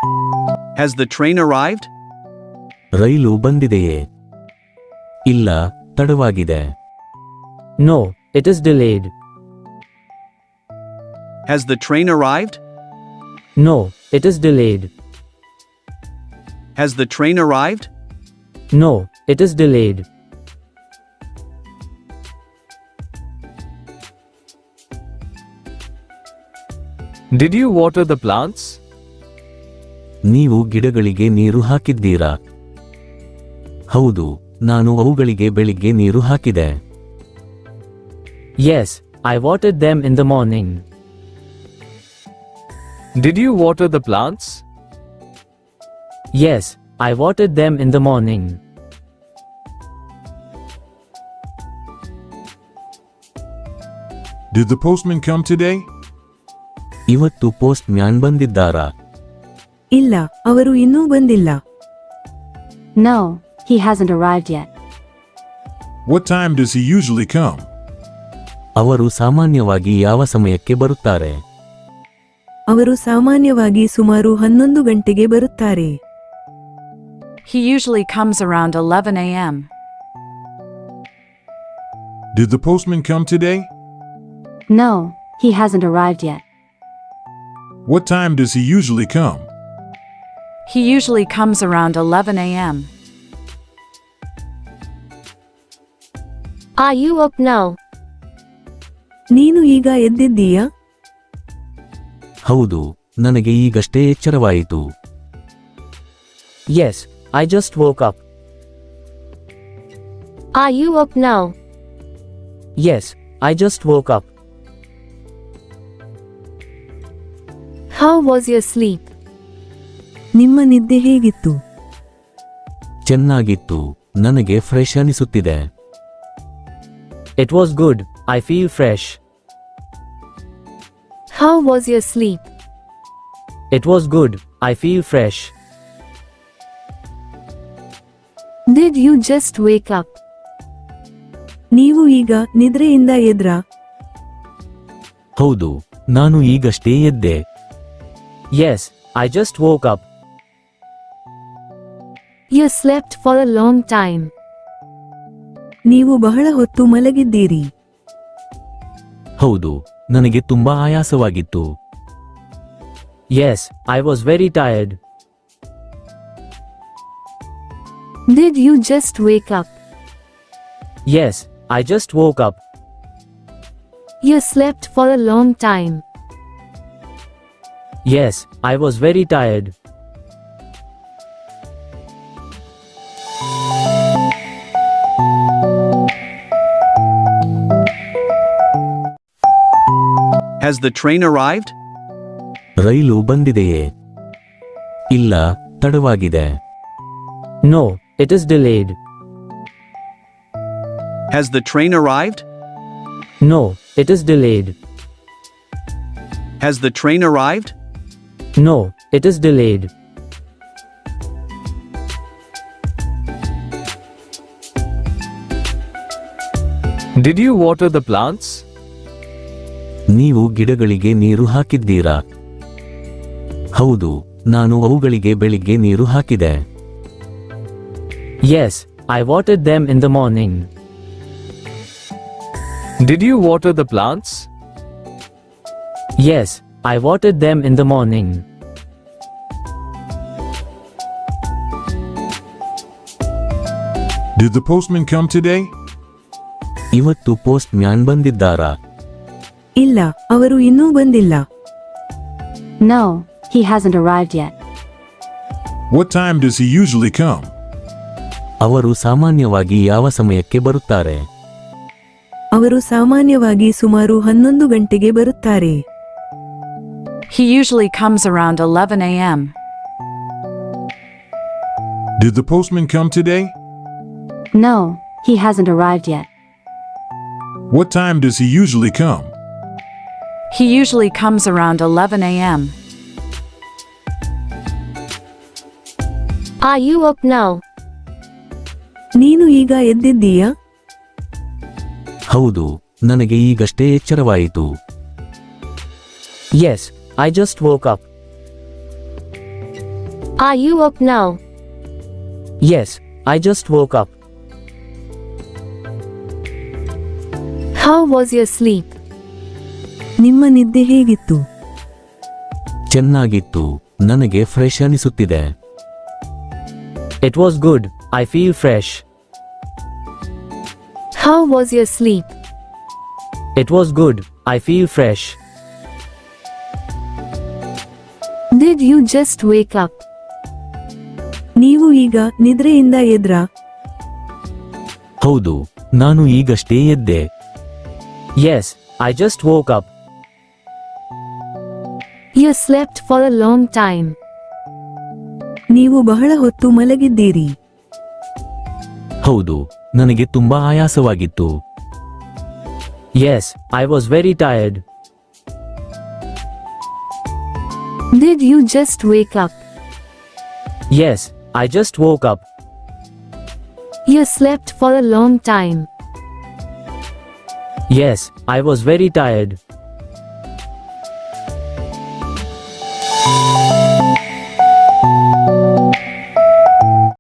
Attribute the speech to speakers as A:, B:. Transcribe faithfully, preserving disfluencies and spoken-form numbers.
A: Has the train arrived?
B: ರೈಲು ಬಂದಿದೆಯೇ? ಇಲ್ಲ, ತಡವಾಗಿದೆ.
C: No, it is delayed.
A: Has the train arrived?
C: No, it is delayed.
A: Has the train arrived?
C: No, it is delayed.
D: Did you water the plants?
B: ನೀವು ಗಿಡಗಳಿಗೆ ನೀರು ಹಾಕಿದ್ದೀರಾ? ಹೌದು, ನಾನು ಅವುಗಳಿಗೆ ಬೆಳಿಗ್ಗೆ ನೀರು ಹಾಕಿದೆ.
C: Yes, I watered them in the morning.
D: Did you water the plants?
C: Yes, I watered them in the morning.
E: Did the postman come today?
B: ಇವತ್ತು ಪೋಸ್ಟ್ ಮ್ಯಾನ್ ಬಂದಿದ್ದಾರಾ?
F: ಇಲ್ಲ, ಅವರು ಇನ್ನೂ ಬಂದಿಲ್ಲ.
G: No, he hasn't arrived yet.
E: What time does he usually come?
B: ಅವರು ಸಾಮಾನ್ಯವಾಗಿ ಯಾವ ಸಮಯಕ್ಕೆ ಬರುತ್ತಾರೆ?
F: ಅವರು ಸಾಮಾನ್ಯವಾಗಿ ಸುಮಾರು ಹನ್ನೊಂದು ಗಂಟೆಗೆ ಬರುತ್ತಾರೆ.
H: He usually comes around eleven a m
E: Did the postman come today?
G: No, he hasn't arrived yet.
E: What time does he usually come?
H: He usually comes around eleven a m
G: Are you up now?
F: ನೀನು ಈಗ ಎದ್ದಿದ್ದೀಯಾ?
B: ಹೌದು, ನನಗೆ ಈಗಷ್ಟೇ ಎಚ್ಚರವಾಯಿತು.
C: Yes, I just woke up.
G: Are you up now?
C: Yes, I just woke up.
G: How was your sleep?
F: ನಿಮ್ಮ ನಿದ್ದೆ ಹೇಗಿತ್ತು?
B: ಚೆನ್ನಾಗಿತ್ತು, ನನಗೆ ಫ್ರೆಶ್ ಅನಿಸುತ್ತಿದೆ.
C: It was good, I feel fresh.
G: How was your sleep?
C: It was good, I feel fresh.
G: Did you just wake up?
F: ನೀವು ಈಗ ನಿದ್ರೆಯಿಂದ ಎದ್ರಾ?
B: ಹೌದು, ನಾನು ಈಗಷ್ಟೇ ಎದ್ದೆ.
C: Yes, I just woke up.
G: You slept for a long time.
F: ನೀವು ಬಹಳ ಹೊತ್ತು ಮಲಗಿದ್ದೀರಿ.
B: ಹೌದು, ನನಗೆ ತುಂಬಾ ಆಯಾಸವಾಗಿತ್ತು.
C: Yes, I was very tired.
G: Did you just wake up?
C: Yes, I just woke up.
G: You slept for a long time.
C: Yes, I was very tired.
A: Has the train arrived?
B: ರೈಲು ಬಂದಿದೆಯೇ? ಇಲ್ಲ, ತಡವಾಗಿದೆ.
C: No, it is delayed.
A: Has the train arrived?
C: No, it is delayed.
A: Has the train arrived?
C: No, it is delayed.
D: Did you water the plants?
B: ನೀವು ಗಿಡಗಳಿಗೆ ನೀರು ಹಾಕಿದ್ದೀರಾ? ಹೌದು, ನಾನು ಅವುಗಳಿಗೆ ಬೆಳಿಗ್ಗೆ ನೀರು ಹಾಕಿದೆ.
C: Yes, I watered them in the morning.
D: Did you water the plants?
C: Yes, I watered them in the morning.
E: Did the postman come today?
B: ಇವತ್ತು ಪೋಸ್ಟ್ ಮ್ಯಾನ್ ಬಂದಿದ್ದಾರಾ?
F: ಇಲ್ಲ, ಅವರು ಇನ್ನೂ ಬಂದಿಲ್ಲ.
G: No, he hasn't arrived yet.
E: What time does he usually come?
B: ಅವರು ಸಾಮಾನ್ಯವಾಗಿ ಯಾವ ಸಮಯಕ್ಕೆ ಬರುತ್ತಾರೆ?
F: ಅವರು ಸಾಮಾನ್ಯವಾಗಿ ಸುಮಾರು ಹನ್ನೊಂದು ಗಂಟೆಗೆ ಬರುತ್ತಾರೆ.
H: He usually comes around eleven a m
E: Did the postman come today?
G: No, he hasn't arrived yet.
E: What time does he usually come?
H: He usually comes around eleven a m
G: Are you up now?
F: ನೀನು ಈಗ ಎದ್ದಿದ್ದೀಯಾ?
B: ಹೌದು, ನನಗೆ ಈಗಷ್ಟೇ ಎಚ್ಚರವಾಯಿತು.
C: Yes, I just woke up.
G: Are you up now?
C: Yes, I just woke up.
G: How was your sleep?
F: ನಿಮ್ಮ ನಿದ್ದೆ ಹೇಗಿತ್ತು?
B: ಚೆನ್ನಾಗಿತ್ತು. ನನಗೆ ಫ್ರೆಶ್ ಅನಿಸುತ್ತಿದೆ.
C: It was good, I feel fresh.
G: How was your sleep?
C: It was good, I feel fresh.
G: Did you just wake up?
F: ನೀವು ಈಗ ನಿದ್ರೆಯಿಂದ ಎದ್ರಾ?
B: ಹೌದು, ನಾನು ಈಗಷ್ಟೇ ಎದ್ದೆ.
C: Yes, I just woke up.
G: You slept for a long time.
F: ನೀವು ಬಹಳ ಹೊತ್ತು ಮಲಗಿದ್ದೀರಿ.
B: ಹೌದು, ನನಗೆ ತುಂಬಾ ಆಯಾಸವಾಗಿತ್ತು.
C: Yes, I was very tired.
G: Did you just wake up?
C: Yes, I just woke up.
G: You slept for a long time.
C: Yes, I was very tired.